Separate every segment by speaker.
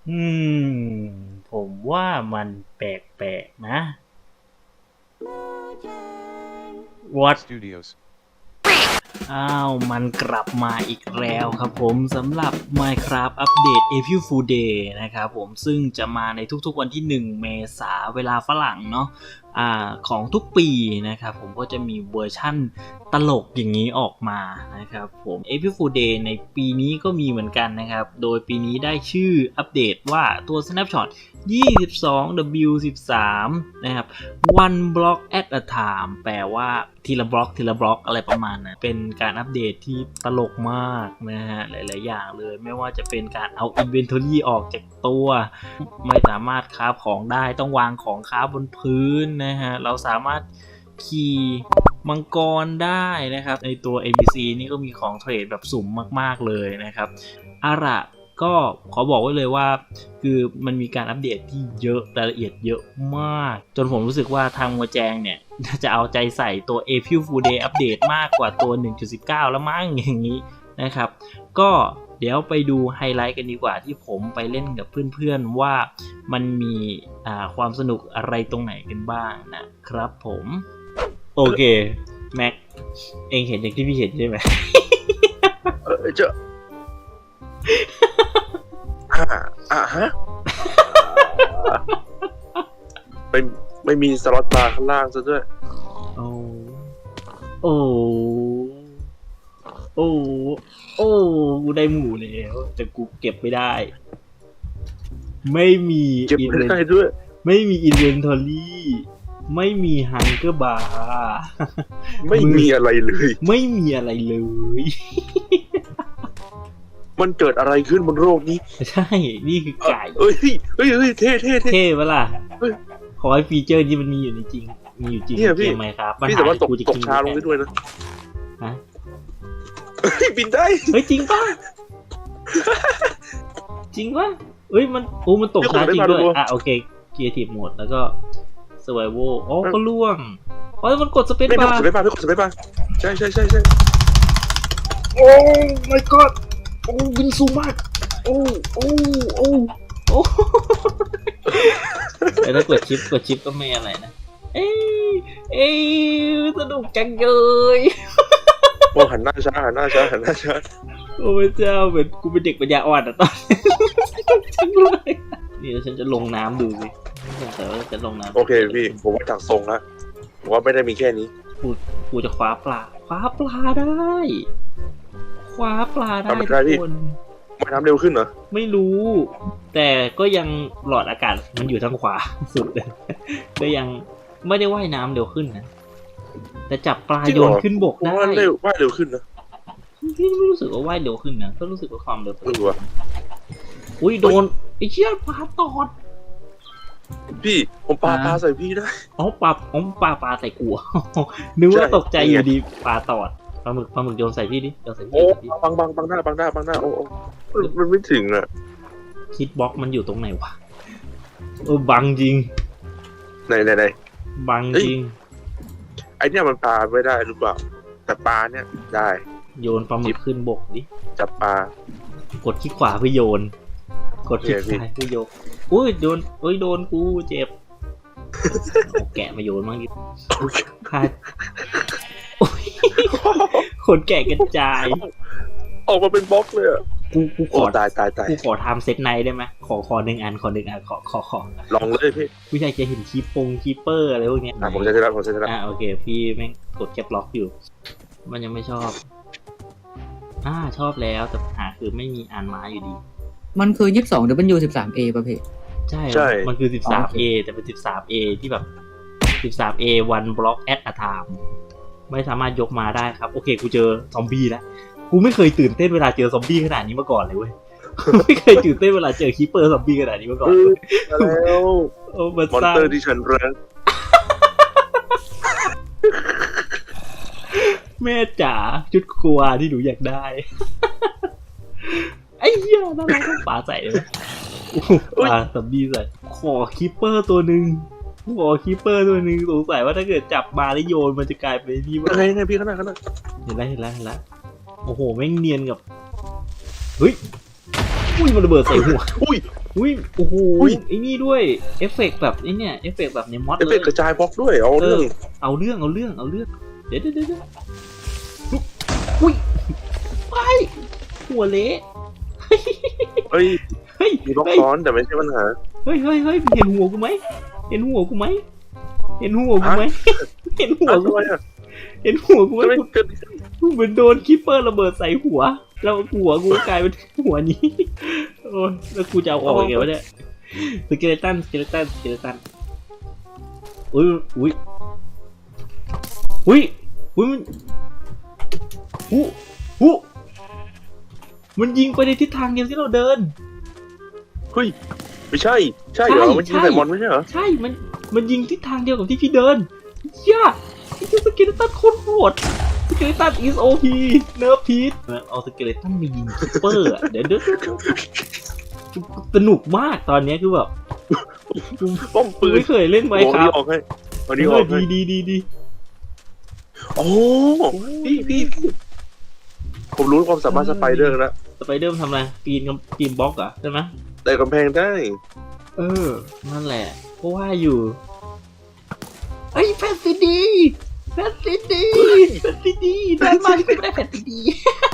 Speaker 1: อืมผมว่ามันแปลกๆนะ What
Speaker 2: Studios.
Speaker 1: อ้าวมันกลับมาอีกแล้วครับผมสำหรับ Minecraft อัปเดต April Fool Day นะครับผมซึ่งจะมาในทุกๆวันที่1เมษาเวลาฝรั่งเนาะของทุกปีนะครับผมก็จะมีเวอร์ชั่นตลกอย่างนี้ออกมานะครับผม April Fool Day ในปีนี้ก็มีเหมือนกันนะครับโดยปีนี้ได้ชื่ออัปเดตว่าตัว Snapshot 22W13 นะครับ one block at a time แปลว่าทีละบล็อกอะไรประมาณนั้นเป็นการอัปเดตที่ตลกมากนะฮะหลายๆอย่างเลยไม่ว่าจะเป็นการเอา inventory ออกจากตัวไม่สามารถค้าของได้ต้องวางของค้าบนพื้นนะฮะเราสามารถขี่มังกรได้นะครับในตัว NPC นี่ก็มีของเทรดแบบสุ่มมากๆเลยนะครับอาระก็ขอบอกไว้เลยว่าคือมันมีการอัปเดตที่เยอะรายละเอียดเยอะมากจนผมรู้สึกว่าทางมัวแจงเนี่ยจะเอาใจใส่ตัว April Fool Day อัปเดตมากกว่าตัว 1.19 แล้วมั้งอย่างนี้นะครับก็เดี๋ยวไปดูไฮไลท์กันดีกว่าที่ผมไปเล่นกับเพื่อนๆว่ามันมีความสนุกอะไรตรงไหนกันบ้างนะครับผมโอเคแม็กเองเห็นอย่างที่พี่เห็นใช่ไหม
Speaker 3: เจ้าฮะไม่มีสล็อตบาร์ข้างล่างซะด้วย
Speaker 1: โอ้โอ้โอ้โอ้กูได้หมูแล้วแต่กูเก็บไม่ได้ ไม่มี
Speaker 3: เก็บไม่ได้ด้วย
Speaker 1: ไม่มีอินเวนทอรี่ไม่มีฮังเกอร์บาร์
Speaker 3: ไม่มีอะไรเลย
Speaker 1: ไม่มีอะไรเลย
Speaker 3: มันเกิดอะไรขึ้นบนโลกนี้
Speaker 1: ใช่ นี่คือไก่
Speaker 3: เฮ้ยเท่
Speaker 1: เท่ปะล่ะ
Speaker 3: เฮ้ย
Speaker 1: ขอให้ฟีเจอร์ที่มันมีอยู่ในจริง มีอยู่จริง
Speaker 3: เนี่ย
Speaker 1: ใน
Speaker 3: พี่
Speaker 1: เกมไหมครับ
Speaker 3: พี่สามารถตก
Speaker 1: จะกิน
Speaker 3: ช้าลงได้ด้วยนะ
Speaker 1: ฮะ
Speaker 3: บินได้
Speaker 1: เฮ้ยจริงป่ะ จริงป่ะเฮ้ยมันมันตกช้าจริงด้วยโอเคครีเอทีฟโหมดแล้วก็ survival อ๋อก็ล่วงอ๋อมันกดสเปซ
Speaker 3: ไม่
Speaker 1: บาร์
Speaker 3: กดสเปซบาร์ไม่กดสเปซบาร์ใช่
Speaker 1: โอ้ my god โอ้บินสูงมากโอ้แต่ถ้ากดชิปก็ไม่อะไรนะเอ้ยสนุกจังเลย
Speaker 3: โอ้หันหน้าช้า
Speaker 1: โอ้พระเจ้าเหมือนกูเป็นเด็กปัญญาอ่อนอะตอนนี้จังเลยนี่ฉันจะลงน้ำดูสิแต่ว่าจะลงน้ำ
Speaker 3: โอเคพี่ผมว่าจากทรงแล้วผมว่าไม่ได้มีแค่นี้
Speaker 1: กูจะคว้าปลาได้คว้าปลาได้ทุกคน
Speaker 3: มาทำเร็วขึ้นเหรอ
Speaker 1: ไม่รู้ แต่ก็ยังหลอดอากาศมันอยู่ทางขวาสุดเลยก็ยังไม่ได้ว่ายน้ำเร็วขึ้นนะแต่จับปลาโยนขึ้นบกได้
Speaker 3: ว่าเร็วขึ้นนะ
Speaker 1: พี่ไม่รู้สึกว่าว่ายเร็วขึ้นนะก็รู้สึกว่าความเร็ว
Speaker 3: ไม่รู้อะ
Speaker 1: อุ้ยโดนไอ้เชี่ยปลาตอด
Speaker 3: พี่ผมปาใส่พี่ได้
Speaker 1: อ๋อปลาใส่กู นึกว่าตกใจอยู่ดีปลาตอดปลาหมึกโยนใส่พี่ดิโยนใส่พี่
Speaker 3: โอ้บังหน้าโอ้มันไม่ถึงอ่ะ
Speaker 1: คิดบล็อกมันอยู่ตรงไหนวะบังจริง
Speaker 3: ไหน
Speaker 1: บังจริง
Speaker 3: ไอเนี่ยมันปลาไม่ได้หรือเปล่าแต่ปลาเนี่ยได้
Speaker 1: โยนปลาหมึกขึ้นบกดิ
Speaker 3: จับปลาก
Speaker 1: ดคลิกขวาเพื่อโยน กดคลิกซ้ายเพื่อโยนอุ้ยโดนกูเจ็บเอาแกะมาโยนมั่งดิพลาดขนแกะกระจาย
Speaker 3: ออกมาเป็นบล็อกเลยอ่ะ
Speaker 1: กูขอ
Speaker 3: ตาย
Speaker 1: กูขอทำเซตไนท์ได้ไหมขอหนึ่งอันขอ
Speaker 3: ลองเลยพี่
Speaker 1: ผู้ชายจะเห็นคีเปอร์อะไรพวกเนี้ย
Speaker 3: ผมจะได้รับ
Speaker 1: โอเคพี่แม่งกดแคปล็อกอยู่ มันยังไม่ชอบชอบแล้วแต่ปัญหาคือไม่มีอ่านม้าอยู่ดี
Speaker 4: มันคือ 22W13A ประเภท
Speaker 1: ใช่มันคือ 13A แต่เป็น 13A ที่แบบ 13A one block at a time ไม่สามารถยกมาได้ครับโอเคกูเจอซอมบี้แล้วกูไม่เคยตื่นเต้นเวลาเจอซอมบี้ขนาดนี้มาก่อนเลยเว้ย ไม่เคยตื่นเต้นเวลาเจอคีเปอร์ซอมบี้ขนาดนี้มาก่อน
Speaker 3: แล้ว
Speaker 1: โอ้มัน
Speaker 3: มอนเตอร์ที่ฉันรัก
Speaker 1: แม่จ๋าชุดครัวที่หนูอยากได้ ไอ้เหี้ยน่ารักต้องป่าใส่เลยป่าซอมบี้ใส่ขอคีเปอร์ตัวหนึ่งสงสัยว่าถ้าเกิดจับมาแล้วโยนมันจะกลายเป็นนี่ว่า
Speaker 3: ไงพี่ข้างหน้า
Speaker 1: เห็นแล้วโอ้โหแม่งเนียนกับเฮ้ยอุ้ยมันระเบิดใส่หัว
Speaker 3: อุ้ย
Speaker 1: อุ้ยโอ้โห
Speaker 3: อุ้ย
Speaker 1: ไอ้นี่ด้วยเอฟเฟกต์แบบไอ้เนี่ยเอฟเฟกต์แบบในมอด
Speaker 3: เอฟ
Speaker 1: เล
Speaker 3: เฟ
Speaker 1: ย
Speaker 3: กต์กระจายบล็อกด้วยเอาเรื่อง
Speaker 1: เอาเรื่องเดี๋ยวอุ้ยไปหัวเละ
Speaker 3: เฮ้ย
Speaker 1: เฮ้ย
Speaker 3: มีบล็อก
Speaker 1: เฮ้ย
Speaker 3: ซ้อนแต่ไม่ใช่ปัญหา
Speaker 1: เฮ้ยเห็นหัวกูไหมเห็นหัวกูไหมเห็นหัวกูไหมเห็นหัวกู
Speaker 3: ทำไมอ่ะ
Speaker 1: เห็นหัวกูไหม
Speaker 3: ทำไมเกิด
Speaker 1: กูเหมือนโดนคิปเปอร์ระเบิดใส่หัว แล้วหัวกูกลายเป็นหัวนี้ โอ้ยแล้วกูจะเอาออกยังไงวะเนี่ยสเกเลตันอุ้ยมันมันยิงไปในทิศทางเดียวที่เราเดิน
Speaker 3: เฮ้ยไม่ใช่เหรอมันยิงใส่มอนไม่ใช่เหรอ
Speaker 1: ใช่มันยิงทิศทางเดียวกับที่พี่เดินย่าไอ้สเกเลตันโคตรโหดสเกเลตัน is OP เนิร์ฟพีทเอาสเกเลตันมายิงคิปเปอร์เดี๋ยวสนุกมากตอนนี้คือแบบกู
Speaker 3: ป้อมปืน
Speaker 1: ไม่เคยเล่นไว้ค
Speaker 3: เอา
Speaker 1: รับ
Speaker 3: นี้ออกให้เอานี้ออกให้
Speaker 1: ดี
Speaker 3: โอ้พี่ผมรู้ความสามารถสไปเดอร์แล้ว
Speaker 1: สไปเดอร์มันทำอะไรปีนบล็อกเหรอใช่ไหม
Speaker 3: แต่กำแพงได้
Speaker 1: นั่นแหละเพราะว่าอยู่ไอ้แฟนซีดีได้มากที่ไม่ได้แฟนซีดี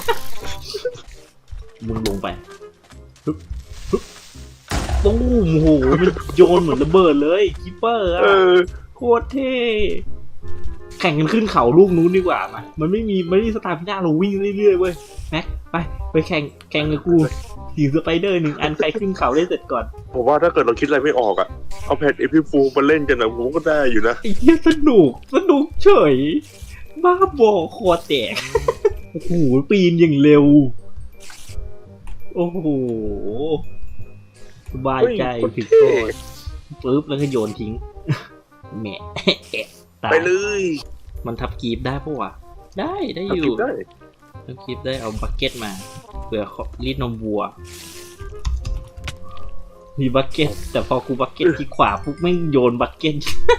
Speaker 1: มึงลงไปปุ๊บตุ้มโหมันโยนเหมือนระเบิดเลยคิปเปอร์อะโคตรเท่แข่งกันขึ้นเขาลูกนู้นดีกว่ามามันไม่มีสตาร์พิน่าเราวิ่งเรื่อยๆเว้ยแม็กไปแข่งกับกูถือสไปเดอร์1 อันใครขึ้นเขาได้เสร็จก่อน
Speaker 3: ผมว่าถ้าเกิดเราคิดอะไรไม่ออกอ่ะเอาแพดเอพิฟูมาเล่นกันนะผมก็ได้อยู่นะ
Speaker 1: ไอ้เหี้ยสนุกเฉยบ้าบอคอแตกโอ้โหปีนอย่างเร็วโอ้โหสบายใจถึงโทษปึ๊บแล้วก็โยนทิ้งแหมตาย
Speaker 3: ไปเลย
Speaker 1: มันทับกีบได้ปะวะได้อยู่
Speaker 3: ทำคลิปได้
Speaker 1: ทับกีบได้เอาบักเก็ตมาเผื่อรีดนมวัวมีบักเก็ตแต่พอกูบักเก็ตที่ขวาปุ๊บไม่งโยนบักเก็ต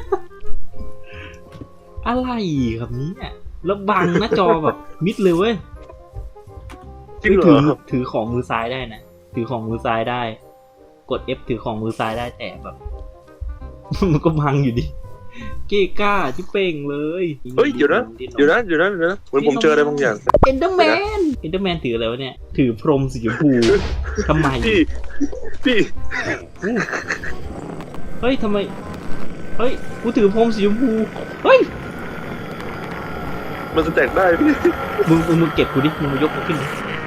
Speaker 1: อะไรครับเนี่ยแล้วบังหน้าจอแบบมิดเลยเว้ย
Speaker 3: จริงเหรอ
Speaker 1: ถือของมือซ้ายได้นะถือของมือซ้ายได้กด F ถือของมือซ้ายได้แต่แบบ มันก็บังอยู่ดิเก้ก้าที่เป่งเลย
Speaker 3: เฮ้ยเดี๋ยวนะเหมือนผมเจออะไรบางอย่าง
Speaker 1: เอ็นเดอร์แมนถืออะไรวะเนี่ยถือพรมสีชมพูทำไม
Speaker 3: พี่
Speaker 1: เฮ้ยทำไมเฮ้ยกูถือพรมสีชมพูเฮ้ย
Speaker 3: มันจะแตกได้พี่
Speaker 1: มึงเก็บกูดิมึงมายกกูขึ้นดิ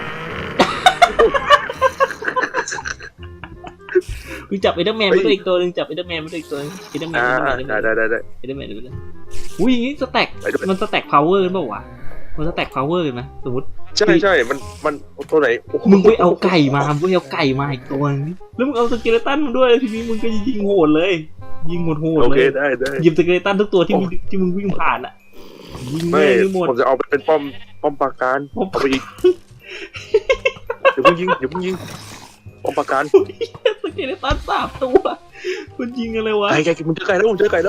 Speaker 1: มึงจับเอ็นเดอร์แมนมาด้วยอีกตัวนึงจับเอ็นเดอร์แมนมาด้วยอีกตัวนึงเอ็นเดอร์แมน
Speaker 3: ได้
Speaker 1: เอ็นเดอร์แมนเอ็นเดอร์แมนอุ้ยอย่างนี้สแต็ก
Speaker 3: ไปด้วย
Speaker 1: มันสแต็กพาวเวอร์กันเปล่าวะมันสแต็กพาวเวอร์กันไหมสมมติ
Speaker 3: ใช่มันตัวไหนโอ้โห
Speaker 1: มึงไปเอาไก่มาอีกตัวนึงแล้วมึงเอาสเกเลตันมาด้วยทีนี้มึงก็ยิงโหดเลยยิงโหด
Speaker 3: โอ
Speaker 1: เล
Speaker 3: เค
Speaker 1: ย
Speaker 3: ได้
Speaker 1: หยิบสเกเลตันทุกตัวที่มึงวิ่งผ่านอ่ะยิง
Speaker 3: ไม่
Speaker 1: เลยหมด
Speaker 3: ผมจะเอาไปเป็นป้อมปราการเอาไปอีกเดี๋ยวเพิ่งยิงป้อมปราการ
Speaker 1: สเกเลตัน3 ตัวมันยิงอะไรวะ
Speaker 3: ไก่ผมเจอไก่แล้วหยิบไก่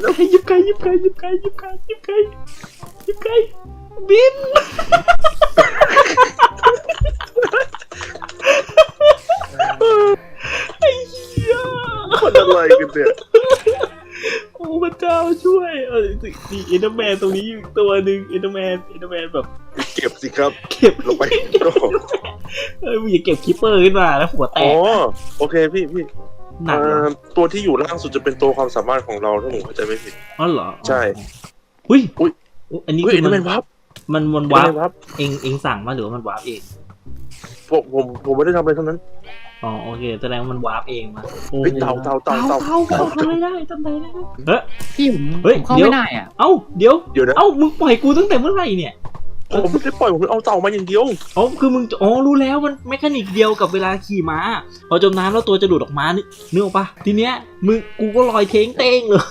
Speaker 1: บินไอ้เหี้ย
Speaker 3: มันอะไรกันเนี่ย
Speaker 1: โอ้พระเจ้าช่วยนี่เอ็นเดอร์แมนตรงนี้อีกตัวหนึ่งเอ็นเดอร์แมนแบบ
Speaker 3: เก็บสิครับ
Speaker 1: เก็บ
Speaker 3: ลงไปโอ้
Speaker 1: มึงอย่าเก็บคิปเปอร์ขึ้นมาแล้วหัวแต
Speaker 3: อ๋
Speaker 1: ก
Speaker 3: อโอเคพี่
Speaker 1: หนักเหรอ
Speaker 3: ตัวที่อยู่ล่างสุดจะเป็นตัวความสามารถของเราถ้าผมเข้าใจไม่ผิด
Speaker 1: อ๋อเหรอ
Speaker 3: ใช่
Speaker 1: อุ้ย
Speaker 3: อุ๊ย
Speaker 1: อันนี้
Speaker 3: เฮ้ย
Speaker 1: คือ
Speaker 3: นั่นเป็นวับ
Speaker 1: มันวาร์ปเองสั่งมาหรือว่ามันวาร์ปเอง
Speaker 3: ผมไม่ได้ทำอะไรทั้งนั้น
Speaker 1: อ๋อโอเคแสดงว่ามันวาร์ปเองมา
Speaker 3: เฮ้ยเต่า
Speaker 1: ทำอะไรได้เฮ้ย
Speaker 4: พี่ผม
Speaker 1: เฮ้ย
Speaker 4: เข้า
Speaker 1: เดี๋ยว
Speaker 4: ไม่ได้อ่ะ
Speaker 1: เอ้าเดี๋ยว
Speaker 3: เดี๋ยวนะ
Speaker 1: เอ้ามึงปล่อยกูตั้งแต่เมื่อไหร่เนี่ย
Speaker 3: ผมไม่ได้ปล่อยผมเอาเต่ามาอย่างเดียว
Speaker 1: อ๋อคือมึงรู้แล้วมันเมคานิกเดียวกับเวลาขี่ม้าพอจมน้ำแล้วตัวจะดูดออกมานึกออกปะทีเนี้ยกูก็ลอยเท้งเต้งเลย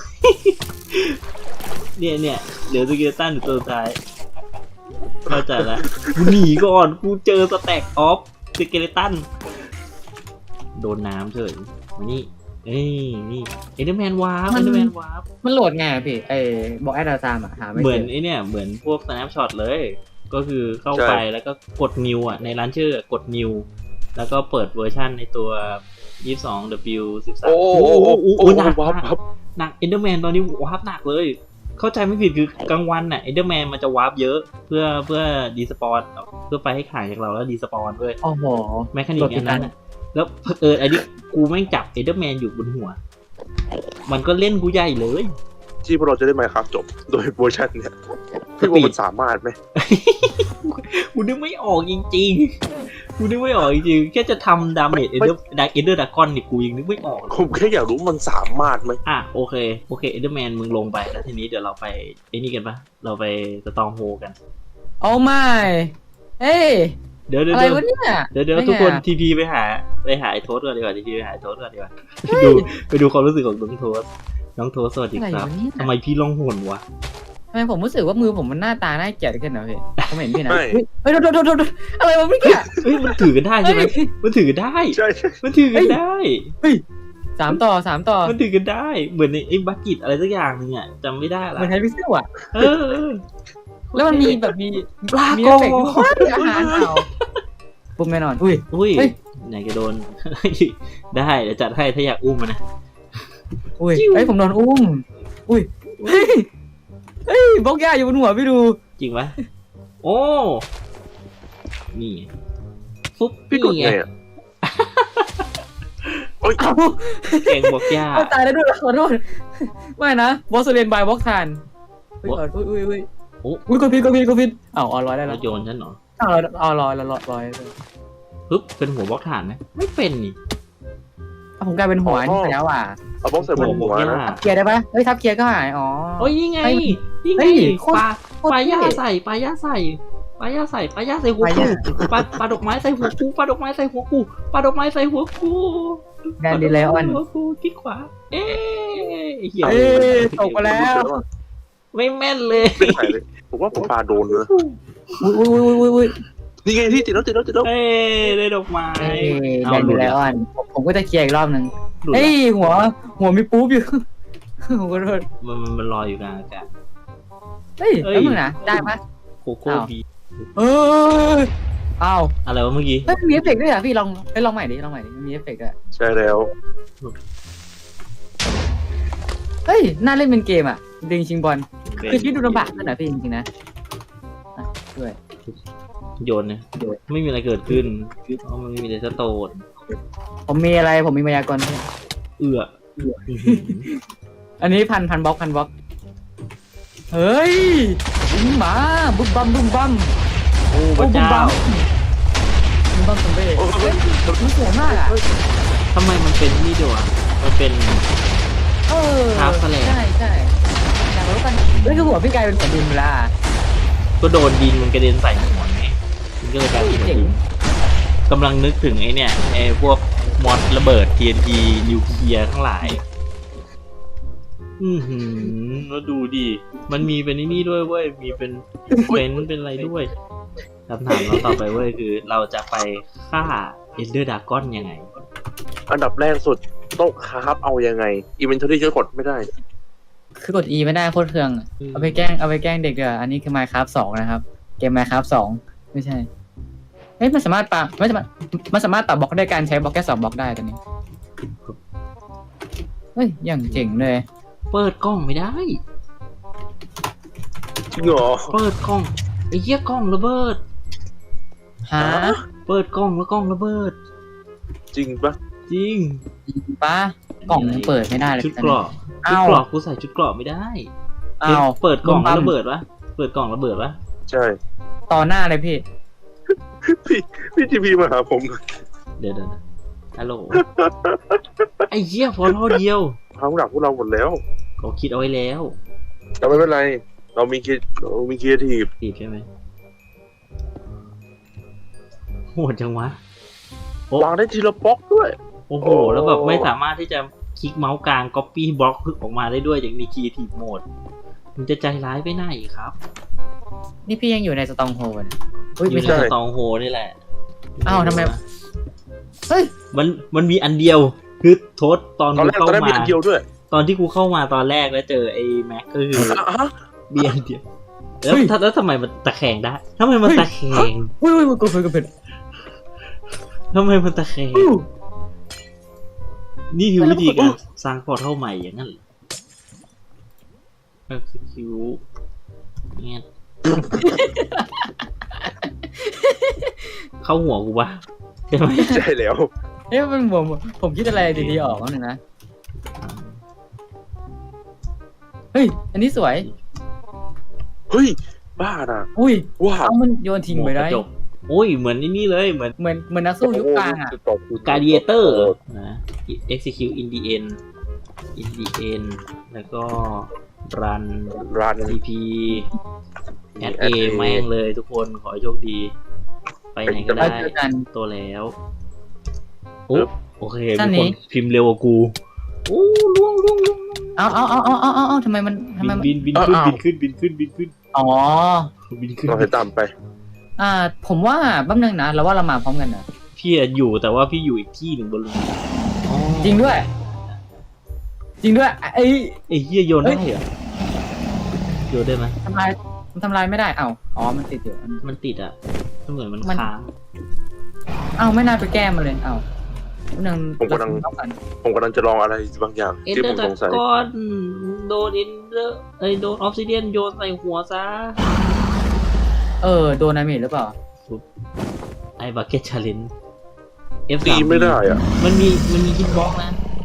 Speaker 1: เนี่ยเดี๋ยวสเกเลตันอยู่ตัวสุดท้ายเข้าใจแล้วกูหนีก่อนกูเจอสแต็กออฟสเกเลตันโดนน้ำเฉยมานี่นี่เอ็นเดอร์แมนวาร์ป
Speaker 4: มันโหลดไงอะพี่บอกแอดดาตามอ่ะหาไม่
Speaker 1: เหมื
Speaker 4: เจ
Speaker 1: อน
Speaker 4: อ
Speaker 1: ไอเนี่ยเหมือนพวก snapshot เลย ก็คือเข้า
Speaker 3: ใช่
Speaker 1: ไปแล้วก็กด new อ่ะในร้านชื่อกด new แล้วก็เปิดเวอร์ชันในตัว 22W13
Speaker 3: โอ้
Speaker 1: หนัก
Speaker 3: วับ
Speaker 1: หนัก Enderman ตอนนี้วาร์ปหนักเลย เข้าใจไม่ผิดคือกลางวันน่ะ Enderman มันจะวาร์ปเยอะเพื่อดีสปอนเพื่อไปให้ขายจากเราแล้วดีสปอนด้วย
Speaker 4: โอ้โห
Speaker 1: แมคานิกอันนั้นน่ะแล้วอันนี้กูแม่งจับ Enderman อยู่บนหัว มันก็เล่นกูใหญ่เลย
Speaker 3: ที่พวกเราจะได้มาครับจบโดยเวอร์ชันเนี่ยพี่ว่ามันสามารถไหม
Speaker 1: กูนึกไม่ออกจริงๆ กูนึกไม่ออกจริงๆ แค่จะทำดาเมจเอเดอร์ดากอนนี่กูยังนึกไม่ออก
Speaker 3: ผมแค่อยากรู้มันสามารถไหม
Speaker 1: อ่ะโอเคเอเดอร์แมนมึงลงไปแล้วทีนี้เดี๋ยวเราไปไอ้นี่กันปะเราไปสตองโฮกัน
Speaker 4: โอ้ไม่เฮ้ย
Speaker 1: เดี๋ยว
Speaker 4: อะไรวะเนี่ย
Speaker 1: เดี๋ยว
Speaker 4: ไม่ไง
Speaker 1: ทุกคนทีพีไปหาไอ้โทสก่อนดีกว่าทีพีไปหาไอ้โทสก่อนดีกว่า ไปดูความรู้สึกของน้องโทสสวัสดี
Speaker 4: อะไร
Speaker 1: ครับ
Speaker 4: วะเนี่ย
Speaker 1: ทำไมพี่ร้องห่วนวะ
Speaker 4: ทำไมผมรู้สึกว่ามือผมมันหน้าตาน่าเกลียดขึ้นนะพี่ผมเห็นพี่นะ
Speaker 3: ไม่
Speaker 4: เฮ้ยโดนอะไรวะเมื่อกี้
Speaker 1: เฮ้ยมันถือกันได้ใช่ไหมมันถือกันได้
Speaker 3: ใช่
Speaker 1: มันถือกันได้
Speaker 4: สามต่อ
Speaker 1: มันถือกันได้ เหมือนในไอ้บักกิตอะไรสักอย่างนึงอ่ะจำไม่ได้
Speaker 4: เห
Speaker 1: ละ
Speaker 4: มือนไทพิกเซลอะ
Speaker 1: เออ
Speaker 4: แล้วมันมีแบบมี
Speaker 1: ลา
Speaker 4: มี
Speaker 1: โก
Speaker 4: เอฟเฟกต์ด้วยอาหารเอาปุ๊บแน่นอนอุ้ย
Speaker 1: อุ้ย
Speaker 4: เฮ้ย
Speaker 1: ไหนจะโดน ได้เดี๋ยวจัดให้ถ้าอยากอุ้มมันนะ
Speaker 4: อุ้ยเฮ้ยผมโดนอุ้มอุ้ยเฮ้ยบล็อกย่าอยู่บนหัวพี่ดู
Speaker 1: จริงปะโอ้นี่ฟุ๊บ
Speaker 3: พี่กด
Speaker 1: นี่
Speaker 3: ไง
Speaker 1: ไง
Speaker 3: อ่ะโอ้ย
Speaker 4: เอา
Speaker 1: เก่งบอกย่า
Speaker 4: เอาตายแล้วด้วยขอโทษไม่นะบอสเรียนบายบล็อกทานอุ้ยอุ้ยกดผิดเอาออนร้อยได้
Speaker 1: ร
Speaker 4: แล้ว
Speaker 1: ถยนต์ฉันเหรอ
Speaker 4: เอาร้อย
Speaker 1: ปึ๊บเป็นหัวบล็อกฐานไหมไม่เป็นนี่
Speaker 4: ผมกลายเป็นหัวนี่ไปแล้วอ่ะ
Speaker 3: เอาบล็อกใส่บน
Speaker 1: บ
Speaker 3: หั
Speaker 1: อ
Speaker 3: ว
Speaker 1: กย่า
Speaker 3: นะ
Speaker 4: เกียร์ได้ปะเฮ้ยทับเกียร์ก็หายอ๋อ
Speaker 1: โอ้ยนี่ไง
Speaker 4: เฮ้ย
Speaker 1: นี่ไง
Speaker 4: เฮ้ยโคตร
Speaker 1: ปลา
Speaker 4: เท่
Speaker 1: ใส่ปลาย่าใส่หัวกูปลาดอกไม้ใส่หัวกูปลาดอกไม้ใส่หัวกูปลาดอกไม้ใส่หัวกู
Speaker 4: แดนดีไลออน
Speaker 1: หัวกูคลิกขวาเอ๊ะเหี้ย
Speaker 4: เอ้ยตกไปแล้ว
Speaker 1: ไม่แม่นเลย
Speaker 3: ไม่หายเลยผมว่าผมปลาโดนเลย
Speaker 4: อุ้ย
Speaker 3: นี่ไงที่ติดแล้ว
Speaker 1: เอ้ยได้ดอกไม้
Speaker 4: แดนดีไลออนผมก็จะเคลียร์อีกรอบนึง
Speaker 1: หลุด
Speaker 4: เฮ้ยหัวมีปุ๊บอยู่ผมก็โดน
Speaker 1: มันลอยอยู่กลางอากาศ
Speaker 4: เฮ้ยแล้วมึงนะได้ปะ
Speaker 1: โคโค่บี
Speaker 4: เออเอา
Speaker 1: อะไรวะเมื่อกี้
Speaker 4: เฮ้ยมีเอฟเฟกต์ด้วยอ่ะพี่ลองใหม่ดิมีเอฟเฟกต์ด้วย
Speaker 3: ใช่แล้ว
Speaker 4: เฮ้ยน่าเล่นเป็นเกมอ่ะดึงชิงบอลคือชีวิตดูลำบากขึ้นนะพี่จริงๆนะด้วย
Speaker 1: โยนเนี่ยไม่มีอะไรเกิดขึ้นเพราะมันไม่มีแต่สโตน
Speaker 4: ผมมีมายากล
Speaker 1: เอื้อ
Speaker 4: อันนี้พันบล็อกเฮ้ยมาบุ้มบัม
Speaker 1: โอ้พระเจ้า
Speaker 4: บุ้มบัมสมเด็จมันสวยมากอ่ะ
Speaker 1: ทำไมมันเป็นนี่ด้วยอ่ะมันเป็น ครับแสลง
Speaker 4: ใช่อยากรู้กันเฮ้ยคือหัวพี่กลายเป็นหัวดินเวลา
Speaker 1: ก็โดนดินมันกระเด็นใส่หัวไงมันก็เลยกลายเป็นหัวดินกำลังนึกถึงไอ้เนี่ยไอ้พวกมอดระเบิด TNT นิวเคลียร์ทั้งหลายแล้วดูดิมันมีเป็นนี่ด้วยเว้ยมีเป็นเป็นอะไรด้วยคำถามเราต่อไปเว้ยคือเราจะไปฆ่าเอนเดอร์ดากอนยังไง
Speaker 3: อันดับแรกสุดต้องคราฟเอายังไงอินเวนทอรี่ช่วยกดไม่ได้
Speaker 4: คือกด E ไม่ได้โคตรเครื่อง เอาไปแกล้งเด็กเด้ออันนี้คือ Minecraft 2 นะครับ เกม Minecraft 2 ไม่ใช่เฮ้ยมันสามารถตัดบล็อกด้วยการใช้บล็อกแค่2บล็อกได้ตอนนี้เฮ้ยอย่างเจ๋งเลย
Speaker 1: เปิดกล้องไม่ได้
Speaker 3: จริงเหรอ
Speaker 1: เปิดกล้องไอ้เหี้ยกล้องระเบิด
Speaker 4: ฮะ
Speaker 1: เปิดกล้องแล้วกล้องระเบิด
Speaker 3: จริงปะ
Speaker 1: จริง
Speaker 4: ป้ากล่องยังเปิดไม่ได้เลย
Speaker 1: ชุดเกราะ ชุด
Speaker 4: อ้าว
Speaker 1: เกราะกูใส่ชุดเกราะไม่ได้
Speaker 4: อ้าว
Speaker 1: เปิดกล่อง
Speaker 4: ปั๊ม
Speaker 1: ระเบิดวะเปิดกล่องระเบิดวะ
Speaker 3: ใช่
Speaker 4: ต่อหน้าเลยพี่
Speaker 3: พี่ทีพีมาหาผม
Speaker 1: เดี๋ยวฮัลโหล ไอ้เหี้ยฟอลโล่เดียว
Speaker 3: ทางหลักพวกเราหมดแล้ว
Speaker 1: เขาคิดเอาไว้แล้ว
Speaker 3: แต่ไม่เป็นไร เรามีครีเอทีฟ
Speaker 1: ตีบใช่ไหมโหดจังวะ
Speaker 3: วางได้ทีละบล็อกด้วย
Speaker 1: โอ้โห
Speaker 3: โอ้
Speaker 1: แล้วแบบไม่สามารถที่จะคลิกเมาส์กลาง copy บล็อกออกมาได้ด้วยอย่างมี creative mode มันจะใจร้ายไปไหนครับ
Speaker 4: นี่พี่ยังอยู่ในสตองโฮนอุ้ย
Speaker 1: อยู่
Speaker 4: ไม่
Speaker 1: ใน
Speaker 4: ใช่
Speaker 1: สตองโฮนี่แหละ
Speaker 4: อ้าวทำไม เฮ้ย
Speaker 1: มันมีอันเดียว คือโทษตอน
Speaker 3: ตอน
Speaker 1: กู
Speaker 3: แรก
Speaker 1: เข้า
Speaker 3: มี
Speaker 1: มา
Speaker 3: อันเดียวด้วย
Speaker 1: ตอนที่กูเข้ามาตอนแรกแล้วเจอไอ้แม็กก็คือ
Speaker 3: อ่ะ
Speaker 1: มีอันเดียวแล้ว
Speaker 4: เฮ้ย
Speaker 1: แล้วทำไมมันตะแคงได้ทำไมมันตะแคง
Speaker 4: อุ้ยกดผิด
Speaker 1: ทำไมมันตะแคงนี่คือวิธีการสร้างพอร์ทัลใหม่อย่างนั้นเหรอ execute เนี่ย เข้าหัวกูปะใช่ไหม
Speaker 3: ใช่แล้ว
Speaker 4: เอ๊ะมันผมคิดอะไรดีๆออกแล้วหนึ่งนะเฮ้ยอันนี้สวย
Speaker 3: เฮ้ยบ้านะ
Speaker 4: อุ้ย
Speaker 3: ว้าว
Speaker 4: เอามันโยนทิ้งไปได้
Speaker 1: หัวกระจกโอ้ยเหมือนนี่เลยเหมือน
Speaker 4: เหมือนนักสู้ยุคกลางอ่ะ
Speaker 1: Gladiator นะ execute in the endแล้วก็ run
Speaker 3: รัน
Speaker 1: TP add A แม่งเลยทุกคนขอให้โชคดี ไปไหนก็ได้
Speaker 4: ไปเจอกัน
Speaker 1: ตัวแล้วโอ้โอเค
Speaker 4: ท่าน
Speaker 1: มี
Speaker 4: นี้
Speaker 1: คนพิมพ์เร็วกว่ากูโอ้ล่วง
Speaker 4: เอาทำไมมัน
Speaker 1: บินขึ้น
Speaker 4: อ๋อ
Speaker 1: บินขึ้น
Speaker 3: เราให้ตามไป
Speaker 4: ผมว่าแป๊บนึงนะเราว่าเรามาพร้อมกันนะ
Speaker 1: พี่อะอยู่แต่ว่าพี่อยู่อีกที่หนึ่งบนเรืออ๋อ
Speaker 4: จริงด้วยไอ้
Speaker 1: ไอ้เหี้ยโยนได้เหรอโยนได้ไหม
Speaker 4: ทำลายไม่ได้อ๋อมันติดอยู่
Speaker 1: มันติดอ่ะมันเหมือนมัน
Speaker 4: มัน
Speaker 1: ค้าง
Speaker 4: ไม่น่าไปแก้มันเลยแป๊บนึง
Speaker 3: ผมกำลังจะลองอะไรบางอย่าง
Speaker 1: เอ็น
Speaker 3: ที่
Speaker 1: เด
Speaker 3: ผ
Speaker 1: อ
Speaker 3: ม
Speaker 1: ร์
Speaker 3: สงสัย
Speaker 1: ก้อนโดนเอ็นเดอร์โดนออฟซิเดียนโยนใส่หัวซะ
Speaker 4: โดนนามิหรือเปล่า
Speaker 1: ไอ้บักเก็ตชาเลนจ์ F3
Speaker 3: ตีไม่ได้อ่ะ
Speaker 1: มันมีฮิตบ็อกนะ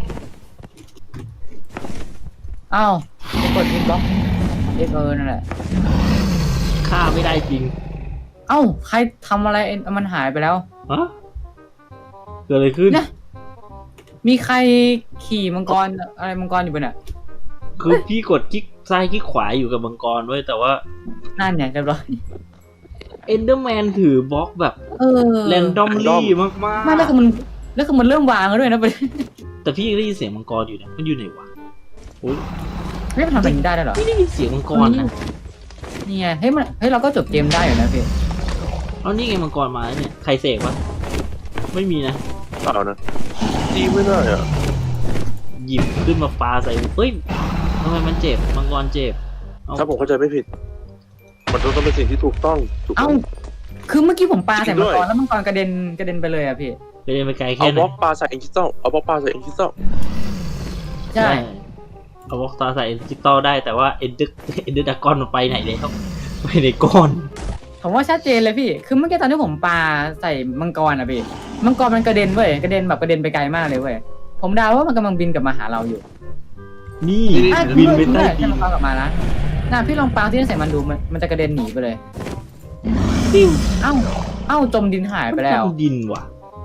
Speaker 4: กดอินบ็อกนั่นแหละ
Speaker 1: ฆ่าไม่ได้จริง
Speaker 4: ใครทำอะไรมันหายไปแล้ว
Speaker 1: ฮะเกิดอะไรขึ้น
Speaker 4: เนี่ย มีใครขี่มังกรอะไรมังกรอยู่บนน่ะ
Speaker 1: คือพี่กดคลิกซ้ายคลิกขวาอยู่กับมังกรไว้ยแต่ว่า
Speaker 4: นั่นเนี่ยเรียบร้อย
Speaker 1: เอนเดอร์แมนถือบล็อกแบบแรนดอมลี่มาก
Speaker 4: ไม่แล้วคือมันเริ่มวางแล้วด้วยนะประเด็น
Speaker 1: ๆแต่พี่ยังได้ยินเสียงมังกรอยู่นะมันอยู่ไหนวะโอ้ย
Speaker 4: ไม่ทำแบบนี้ได้ด้วยเหรอ
Speaker 1: ไม่ได้ยินเสียงมังกรนะ
Speaker 4: นี่ไงเฮ้ยเราก็จบเกมได้อยู่นะพี่
Speaker 1: เอานี่ไงมังกรมาแล้วเนี่ยใครเสกวะไม่มีนะ
Speaker 3: เปล่านะตีไม่ได้อ่ะ
Speaker 1: หยิบขึ้นมาปาใส่เฮ้ยทำไมมันเจ็บมังกรเจ็บ
Speaker 3: ถ้าผมเข้าใจไม่ผิด มันต้องเป็นสิ่งที่ถูกต้องถูกต้อง
Speaker 4: คือเมื่อกี้ผมปาใส่
Speaker 3: จริงด้
Speaker 4: มัง
Speaker 3: วย
Speaker 4: กรแล้วมังกรกระเด็นไปเลยอะพี่
Speaker 1: ไปเดินไปไกล
Speaker 3: เอา
Speaker 1: แค่ไห
Speaker 3: บ
Speaker 1: น
Speaker 3: ล็อกปลาใส่เอ็นคริสตัลเอาบล็อกปลาใส่เอ็นคริสตัล
Speaker 4: ใช่
Speaker 1: เอาบล็อกตาใส่เอ็นจิตอลได้แต่ว่าเอ็นเดอร์ดากอนมันไปไหนแล้วไปในก้อน
Speaker 4: ผมว่าชัดเจนเลยพี่ คือเมื่อกี้ตอนที่ผมปาใส่มังกรอะพี่มังกรมันกระเด็นเว้ยกระเด็นไปไกลมากเลยเว้ยผมเดาว่ามันกำลังบินกลับมาหาเราอยู่
Speaker 1: นี่บินไปใต้ดิ
Speaker 4: ใช่
Speaker 1: น
Speaker 4: มันกลับมานะพี่ลองปาที่ใส่มันดูมันจะกระเด็นหนีไปเลย
Speaker 1: ปิ้ว
Speaker 4: จมดินหายไปแล้ว
Speaker 1: มันดินว่ะ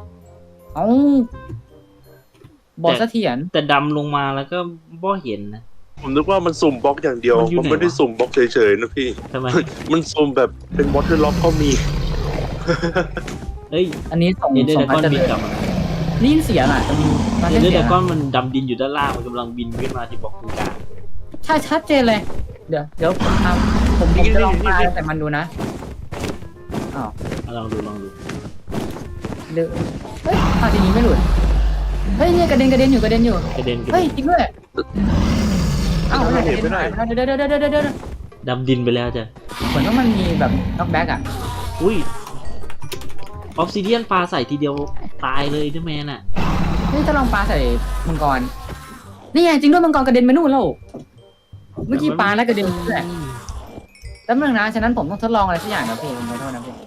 Speaker 4: บอกเสถียร
Speaker 1: แต่ดำลงมาแล้วก็บ่เห็นนะ
Speaker 3: ผมนึกว่ามันสุ่มบล็อกอย่างเดียว
Speaker 1: มันอยู่
Speaker 3: มัน
Speaker 1: ไหน
Speaker 3: ไม่ได้
Speaker 1: วะ
Speaker 3: สุ่มบล็อกเฉยๆนะพี่
Speaker 1: ทำไม
Speaker 3: มันสุ่มแบบเป็นวอเตอร์ล็อกก็มี
Speaker 1: เอ้ย
Speaker 4: อันนี้ส่ง
Speaker 1: เอ็นเดอร์
Speaker 4: ส่
Speaker 1: ดาง กอน
Speaker 4: จะ
Speaker 1: บินกลับมา
Speaker 4: ได้ยินเสียงอ่ะจะมีมา
Speaker 1: เอ็
Speaker 4: เล่
Speaker 1: น
Speaker 4: น
Speaker 1: เดอร์
Speaker 4: เสีย
Speaker 1: ดาง กอน
Speaker 4: อะ
Speaker 1: มันดำดินอยู่ด้านล่างมันกำลังบินขึ้นมาที่บล็อกตรงกลาง
Speaker 4: ใช่ชัดเจนเลย เดี๋ยวผมจะลองปาแต่มันดูนะ
Speaker 1: ลองดู
Speaker 4: เดี๋ยวเฮ้ยจริงๆไม่หลุดเฮ้ยเนี่ยกระเด็นอยู่
Speaker 1: กระเด็น
Speaker 4: เฮ้ยจริงด้วย
Speaker 3: ไม่ได้ไม่ได้
Speaker 4: เดี๋ยว
Speaker 1: ดำดินไปแล้วจ้ะ
Speaker 4: เหมือนว่ามันมีแบบน็อกแบ็กอ่ะ
Speaker 1: อุ้ยออฟซิเดียนปลาใส่ทีเดียวตายเลยเดอร์แมนอ่ะ
Speaker 4: นี่จะลองปาใส่มังกรนี่ไงจริงด้วยมังกรกระเด็นไปนู่นแล้วเมื่อกี้ปาแล้วกระเด็นด้วย แป๊บนึงนะ ฉะนั้นผมต้องทดลองอะไรสักอย่างนะพี่ผมขอโทษนะพี่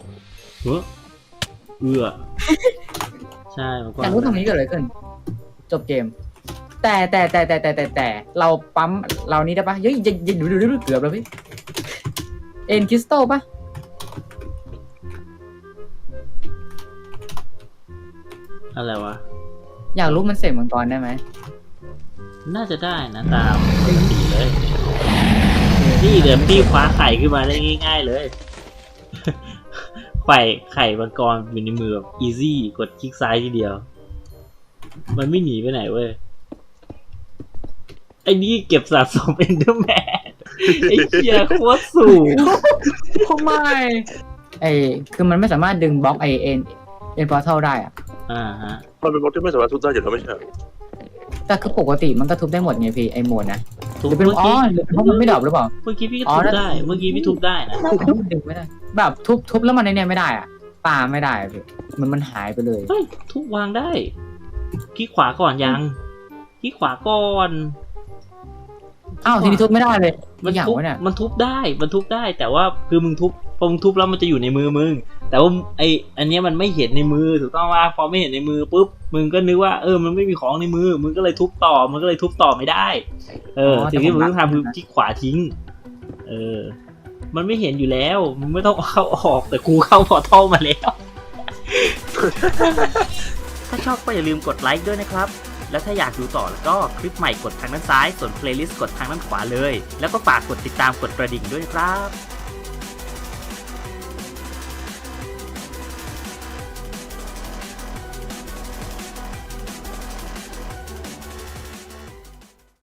Speaker 1: ใช่มันก็
Speaker 4: อยากรู้ตรงนี้เกิดอะไรขึ้น จบเกม แต่เราปั๊มเรานี้ได้ปะเฮ้ยอย่าดูเกือบแล้วพี่เอ็นคริสตัลปะ
Speaker 1: อะไรวะ
Speaker 4: อยากรู้มันเสกมังกรได้ไหม
Speaker 1: น่าจะได้นะตามปกติเลย นี่เดี๋ยวพี่คว้าไข่ขึ้นมาได้ง่ายๆเลยไข่มังกรอยู่ในมือแบบอีซี่กดคลิกซ้ายทีเดียว มันไม่หนีไปไหนเว้ย ไอ้นี่เก็บสะสมเอนเดอร์แมนไอ้เหี้ยโคตรสูง
Speaker 4: ทำไมคือมันไม่สามารถดึงบล็อกเอ็นพอร์ทัลได้อะ
Speaker 1: ฮะ
Speaker 3: มันเป็นบล็อกที่ไม่สามารถทุบได้อยู่แล้วไม่ใช่เหรอ
Speaker 4: แต่คือปกติมันก็ทุบได้หมดไงพี่ไอโหมดนะห
Speaker 1: ทุบ
Speaker 4: รือเป็น
Speaker 1: เมื่อกี้
Speaker 4: หรือเป็นเพราะมันไม่ดรอปหรือเปล่า
Speaker 1: เมื่อกี้พี่ก็ทุบได้ เมื่อกี้พี่ทุบได้นะ
Speaker 4: มันดึงไม่ได้แบบทุบแล้วมันในเนี่ยไม่ได้อะปาไม่ได้พี่มันหายไปเลย
Speaker 1: เฮ้ยทุบวางได้คลิกขวาก่อนยังคลิกขวาก่อน
Speaker 4: อ้าวทีนี้ทุบไม่ได้เลย
Speaker 1: มัน
Speaker 4: อย่าง
Speaker 1: ทุบ
Speaker 4: วะเนี่ย
Speaker 1: มันทุบได้มันทุบได้ แต่ว่าคือมึงทุบพอมึงทุบแล้วมันจะอยู่ในมือมึงแต่ว่าอันเนี้ยมันไม่เห็นในมือถูกต้องว่าพอไม่เห็นในมือปุ๊บมึงก็นึกว่ามันไม่มีของในมือมึงก็เลยทุบต่อมึงก็เลยทุบต่อไม่ได้สิ่งที่มึงต้องทำคือคลิกขวาทิ้งมันไม่เห็นอยู่แล้วมึงไม่ต้องเข้าออกแต่กูเข้าพอทัลมาแล้ว ถ้าชอบก็อย่าลืมกดไลค์ด้วยนะครับแล้วถ้าอยากดูต่อแล้วก็คลิปใหม่กดทางด้านซ้ายส่วนเพลย์ลิสต์กดทางด้านขวาเลยแล้วก็ฝากกดติดตามกดกระดิ่งด้วยนะครับ